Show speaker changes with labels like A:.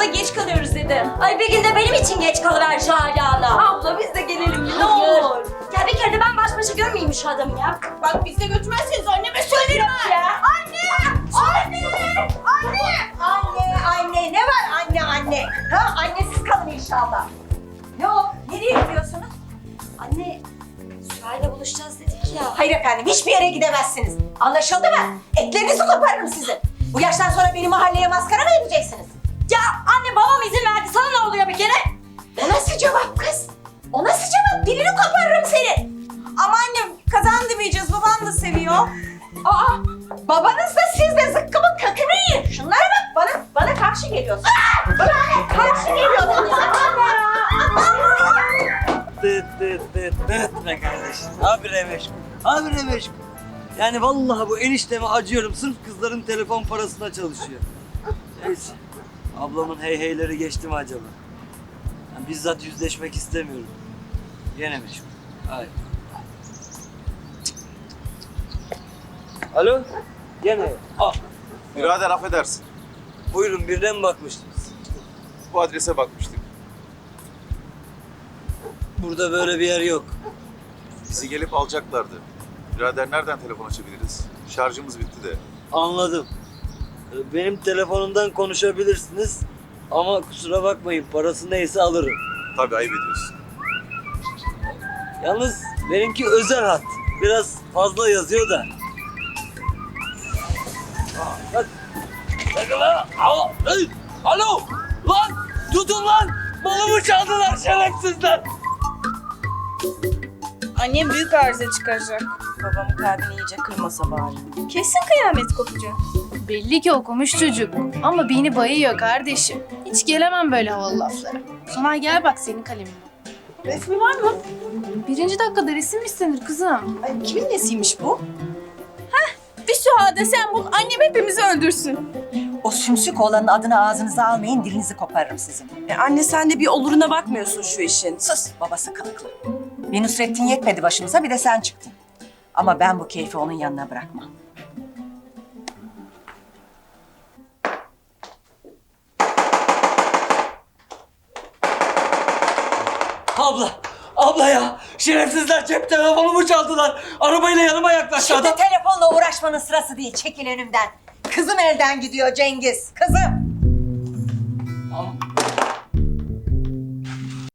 A: da geç kalıyoruz dedi.
B: Ay bir gün de benim için geç kalıver Şahane Ana.
A: Abla biz de gelelim ne
B: Hayır.
A: olur.
B: Ya bir kere de ben baş başa görmeyeyim şu adamı ya.
A: Bak biz de götürmezseniz anneme söylerim ben.
B: Ya.
A: Anne! Anne! Anne!
C: Anne ne var anne? Ha annesiz kalın inşallah. Ne o? Nereye gidiyorsunuz?
B: Anne, Süha'yla buluşacağız dedik ya.
C: Hayır efendim hiçbir yere gidemezsiniz. Anlaşıldı mı? Etlerinizi koparırım sizin. Bu yaştan sonra beni mahalleye maskara mı edeceksiniz?
B: Ya anne babam izin verdi. Sana ne oluyor bir kere?
C: O nasıl cevap kız? O nasıl cevap? Dilini koparırım seni.
A: Ama anne kazan demeyeceğiz baban da seviyor.
C: Aa, babanız da siz de zıkkımın kökünü yiyin. Şunlara bak bana karşı geliyorsun. Bana karşı geliyorsun.
D: Dıt be kardeşim. Habire meşgul. Habire meşgul. Yani vallahi bu enişteme acıyorum. Sırf kızların telefon parasına çalışıyor. Neyse. Ablamın heyheyleri geçti mi acaba? Yani bizzat yüzleşmek istemiyorum. Yine meşgul. Hayır. Alo? Gene.
E: Birader affedersin.
D: Buyurun birine mi bakmıştınız?
E: Bu adrese bakmıştık.
D: Burada böyle bir yer yok.
E: Bizi gelip alacaklardı. Birader nereden telefon açabiliriz? Şarjımız bitti de.
D: Anladım. Benim telefonumdan konuşabilirsiniz. Ama kusura bakmayın parası neyse alırım.
E: Tabii ayıp ediyorsun.
D: Yalnız benimki özel hat. Biraz fazla yazıyor da. Bak. Bakın lan. Alo. Lan. Tutun lan. Malımı çaldılar şerefsizler.
A: Annem büyük arıza çıkaracak. Babamın kalbini iyice kırmasa bari. Kesin kıyamet kopacak.
F: Belli ki okumuş çocuk. Ama beni bayıyor kardeşim. Hiç gelemem böyle havalı laflara. Sonay gel bak senin kalemin.
A: Resmi var mı?
F: Birinci dakikada resim istenir kızım.
A: Ay, kimin nesiymiş bu? Bir Süha sen bul annem hepimizi öldürsün.
C: O sümsük oğlanın adını ağzınıza almayın dilinizi koparırım sizin.
A: Anne sen de bir oluruna bakmıyorsun şu işin.
C: Sus babası kılıklı. Bir Nusrettin yetmedi başımıza bir de sen çıktın. Ama ben bu keyfi onun yanına bırakmam.
D: Abla ya. Şerefsizler cep telefonumu çaldılar. Arabayla yanıma yaklaştı
C: Şimdi
D: adam.
C: telefonla uğraşmanın sırası değil. Çekil önümden. Kızım elden gidiyor Cengiz. Kızım.